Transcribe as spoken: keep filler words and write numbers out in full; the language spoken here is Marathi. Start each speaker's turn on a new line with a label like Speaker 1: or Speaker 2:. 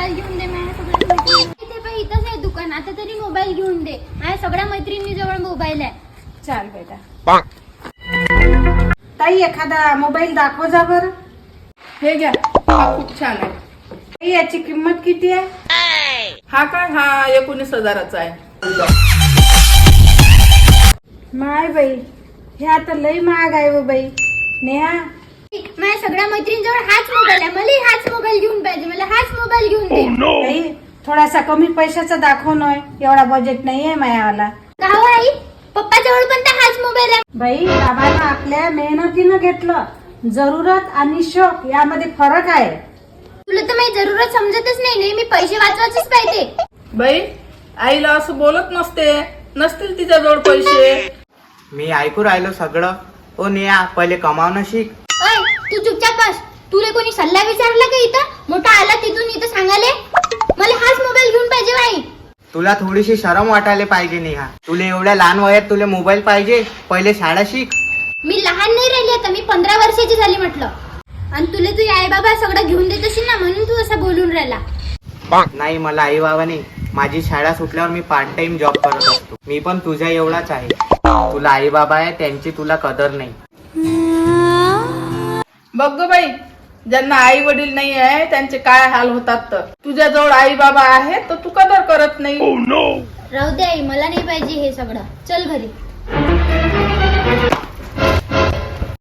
Speaker 1: मोबाईल घेऊन दे. माझ्या सगळ्या मैत्रिणी इथे पण इथंच आहे दुकान. आता तरी मोबाईल घेऊन दे. माझ्या सगळ्या मैत्रिणी जवळ मोबाईल आहे.
Speaker 2: चाल बेटा. ताई एखादा मोबाईल दाखव जा बर.
Speaker 3: हे घ्या, हा खूप छान आहे.
Speaker 2: ताई याची किंमत किती आहे?
Speaker 3: हा काय, हा एकोणीस हजाराचा आहे.
Speaker 2: माय बाई, हे आता लई महाग आहे व बाई. नेहा
Speaker 1: माझ्या सगळ्या मैत्रिणींजवळ हाच मोबाईल आहे. मला हाच मोबाईल घेऊन पाहिजे. मला हाच मोबाईल घेऊन दे.
Speaker 2: ताई थोडासा कमी पैशाचा दाखव नय. एवढा बजेट नाहीये मायावाला.
Speaker 1: का हो आई, पप्पाजवळ पण तर हाच मोबाईल आहे.
Speaker 2: बाई बाबांना आपल्या मेहनतीनं घेतलं. जरूरत आणि शौक यामध्ये फरक आहे.
Speaker 1: तुला तर माझी जरूरत समजतच नाही. नाही मी पैसे वाचवायचेच पाहिजे.
Speaker 3: बाई, आईला असं बोलत नसते. नसतील तिच्याजवळ पैसे.
Speaker 4: मी ऐकू राहिलो सगळं. ओ नेहा, पहिले कमावणं शिक.
Speaker 1: ओय, तू चुपचाप बस. तुला कोणी सल्ला विचारला का इथं? मोठा आला तिथून इथं सांगाले मला हाच मोबाईल घेऊन पाहिजे बाई.
Speaker 4: तुला थोडीशी शरम वाटायला पाहिजे नेहा. तुला एवढ्या लहान वयात तुला मोबाईल पाहिजे? पहिले शाळा शिक.
Speaker 1: मी लहान नाही राहिली आता. मी पंधरा वर्षाची झाली म्हटलं. आणि तुला तुझे आई बाबा सगळं घेऊन देत असेल ना, म्हणून तू असं बोलून राहिला.
Speaker 4: नाही, मला आई बाबा नाही. माझी शाळा सुटल्यावर मी पार्ट टाइम जॉब करत असतो. मी पण तुझ्या एवढाच आहे. तुला आई बाबा आहे, त्यांची तुला कदर नाही.
Speaker 3: बघ ग बाई, ज्यांना आई वडील नाही आहे त्यांचे काय हाल होतात. तर तुझ्याजवळ आई बाबा आहे तर तू कदर करत नाही.
Speaker 1: राहू दे आई, मला नाही पाहिजे हे सगळं. चल घरी.